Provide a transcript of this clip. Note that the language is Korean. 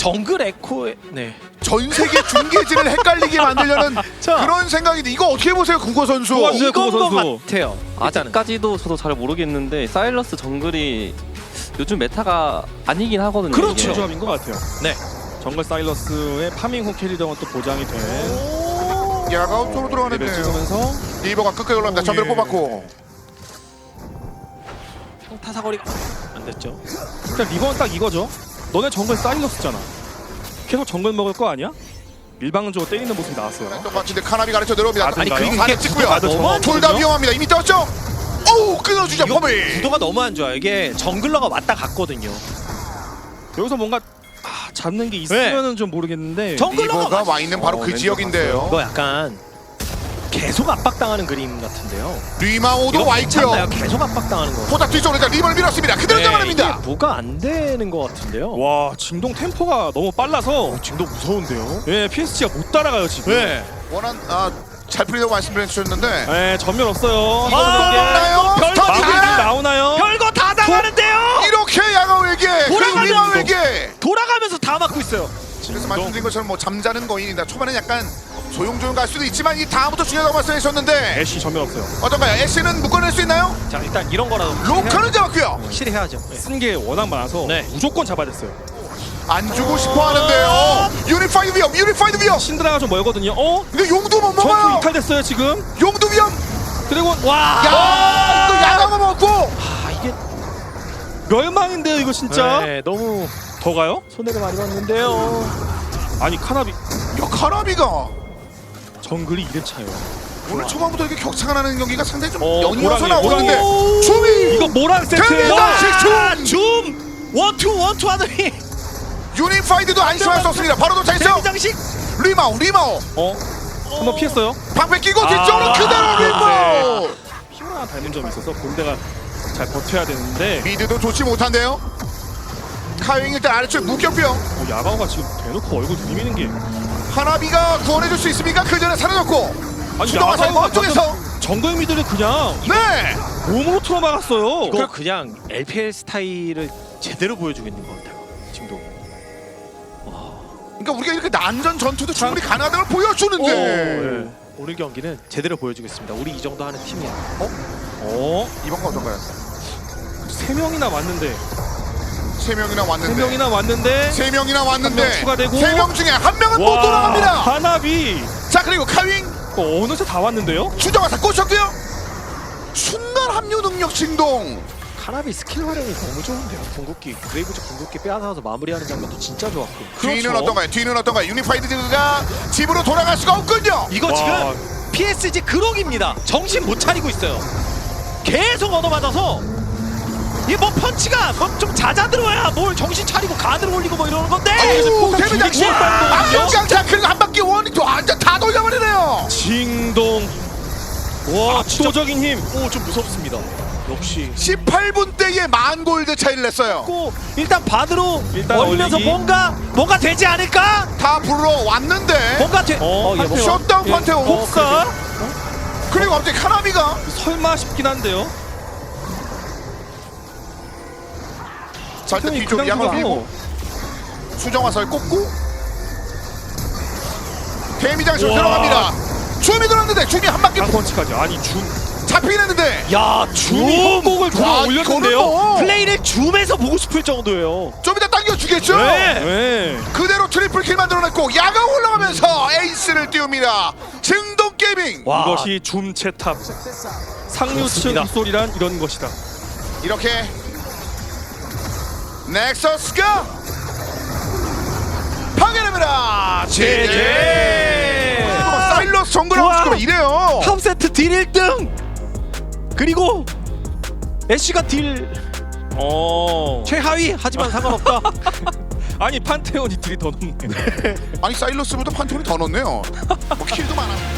정글 에코의 전 세계 중계진을 헷갈리게 만들려는 그런 생각인데 이거 어떻게 보세요, 국어 선수? 좋았어요. 이건 것 선수. 같아요. 일단은. 아직까지도 저도 잘 모르겠는데 사일러스 정글이 요즘 메타가 아니긴 하거든요. 그렇죠. 이게. 조합인 것 같아요. 네. 정글 사일러스의 파밍 후 캐리력은 또 보장이 된 야가 쪽으로 레벨 들어가는데요. 찍으면서 리버가 끝까지 올라갑니다. 전멸을 예. 뽑았고. 평타 사거리가 안 됐죠. 일단 리버는 딱 이거죠. 너네 정글 사일러스잖아. 계속 정글 먹을 거 아니야? 일방적으로 때리는 모습이 나왔어요. 똑같은데 카나비 가르쳐 내려옵니다. 아니, 그리고 반대 이게 찍고요. 너무 둘 다 위험합니다. 이미 떴죠? 어우, 끊어주죠, 이거 범위. 구도가 너무 안 좋아요. 이게 정글러가 왔다 갔거든요. 여기서 뭔가 잡는 게 있으면은 좀 모르겠는데 정글러가 리버가 와 있는 바로 그 왼쪽 지역인데요. 이거 약간 계속 압박당하는 그림 같은데요. 리마오도 이거 와 괜찮나요? 있고요. 계속 압박당하는 거. 포탑 뒤쪽으로 일단 리버를 밀었습니다. 그대로 네, 잡아냅니다. 이게 뭐가 안 되는 것 같은데요. 와 진동 템포가 너무 빨라서 지금도 무서운데요. 예 PSG가 못 따라가요 지금. 네. 원한 잘 풀리다고 말씀해 주셨는데 예 전멸 없어요. 나요? 별 스턴 마무리 하나? 나오나요? 별거 다 당하는데요. 이렇게 야가오에게 그리고 돌아가면서. 리마오에게 돌아가면서 다 맞고 있어요. 그래서 말씀드린 것처럼 뭐 잠자는 거인이다. 초반에 약간 조용조용 갈 수도 있지만 이 다음부터 중요하다고 말씀해 주셨는데 애쉬 전멸 없어요. 어떤가요? 애쉬는 묶어낼 수 있나요? 자 일단 이런 거라도 로카는 잡았고요. 확실히 해야죠. 네. 쓴 게 워낙 많아서 네. 무조건 잡아야 됐어요. 안 주고 싶어 하는데요. 유니파이드 위험, 유니파이드 위험. 신드라가 좀 멀거든요. 어? 근데 용도 못 전투 먹어요. 이탈됐어요 지금. 용도 위험. 드래곤 와. 야, 이거 야가만 먹고. 아 이게 멸망인데요 이거 진짜. 네, 너무 더 가요? 손해를 많이 봤는데요. 아니 카나비 야, 카나비가 정글이 2렙차예요. 오늘 초반부터 이렇게 격차가 나는 경기가 상당히 좀 연이어서 모랑이, 나오는데 모랑이. 춤이 이거 모랑 세트. 대단한 줌 원투 하더니 유니파이드도 안심할 수 없습니다. 바로 도착했죠. 데미장식. 리마오. 어? 한번 피했어요. 방패 끼고 뒤쪽으로 그대로 리마오. 피오라 닮은 점이 있어서 본대가 잘 버텨야 되는데 미드도 좋지 못한데요. 카윙 일단 아래쪽에 묶였고요. 야가오가 지금 대놓고 얼굴 들이미는 게 하나비가 구원해줄 수 있습니까? 그 전에 사라졌고. 아니 수동화 잘 야가오가 먼쪽에서. 정글 미드를 그냥 네. 몸으로 틀어막았어요. 이거 그냥 LPL 스타일을 제대로 보여주고 있는 것 같아요. 지금도. 그러니까 우리가 이렇게 난전 전투도 충분히 가능하다는 걸 보여주는데. 네. 오늘 경기는 제대로 보여주겠습니다. 우리 이 정도 하는 팀이야. 이번 거 어떤가요? 3명이나 왔는데 3명이나 왔는데. 3명이나 왔는데 3명이나 왔는데. 한명 추가되고. 3명 중에 한 명은 못 돌아갑니다. 하나비 자, 그리고 카윙 어느새 다 왔는데요? 추정화사 꽂혔고요. 순간 합류 능력 진동. 카나비 스킬 활용이 너무 좋은데요. 궁극기 그레이브즈 궁극기 빼앗아서 마무리하는 장면도 진짜 좋았고. 뒤는 그렇죠. 어떤가요? 뒤는 어떤가요? 유니파이드가 집으로 돌아갈 수가 없군요. 이거 와. 지금 PSG 그록입니다. 정신 못 차리고 있어요. 계속 얻어맞아서 이 뭐 펀치가 뭐 좀 잦아들어야 뭘 정신 차리고 가드를 올리고 뭐 이러는 건데. 어우, 데미지 두 개씩 악영장차 그리고 한 바퀴 원이 완전 다 돌려버리네요. 징동 와 압도적인 힘. 오좀 무섭습니다. 역시. 18분 대에 만 골드 차이를 냈어요. 고 일단 반으로 일단 올리면서 올리기. 뭔가 되지 않을까? 다 불러 왔는데. 뭔가 돼. 판테온. 셧다운 판테온. 복사? 그리고 갑자기 카나비가 설마 싶긴 한데요. 자, 일단 뒤쪽 양을 밀고 수정화살 꽂고 데미장식으로 우와. 들어갑니다. 줌이 들어갔는데 줌이 한 바퀴 펀치까지. 아니 줌 잡히긴 했는데 야 줌이 협곡을 들어 아, 올렸는데요. 이거는 뭐 플레이를 줌에서 보고 싶을 정도예요. 좀 이따 당겨주겠죠? 네. 그대로 트리플 킬 만들어냈고 야가 올라가면서 에이스를 띄웁니다. 증동 게이밍. 와. 이것이 줌 채탑. 상류층 그렇습니다. 입소리란 이런 것이다. 이렇게 넥서스가 파괴됩니다. 제제. 사일러스 정글 우와. 하우스가 이래요. 탑 세트 딜 1등. 그리고 애쉬가 딜 최하위 하지만 상관없다. 아니 판테온이 딜이 더 높네. 아니 사일러스보다 판테온이 더 넣었네요. 뭐 킬도 많아.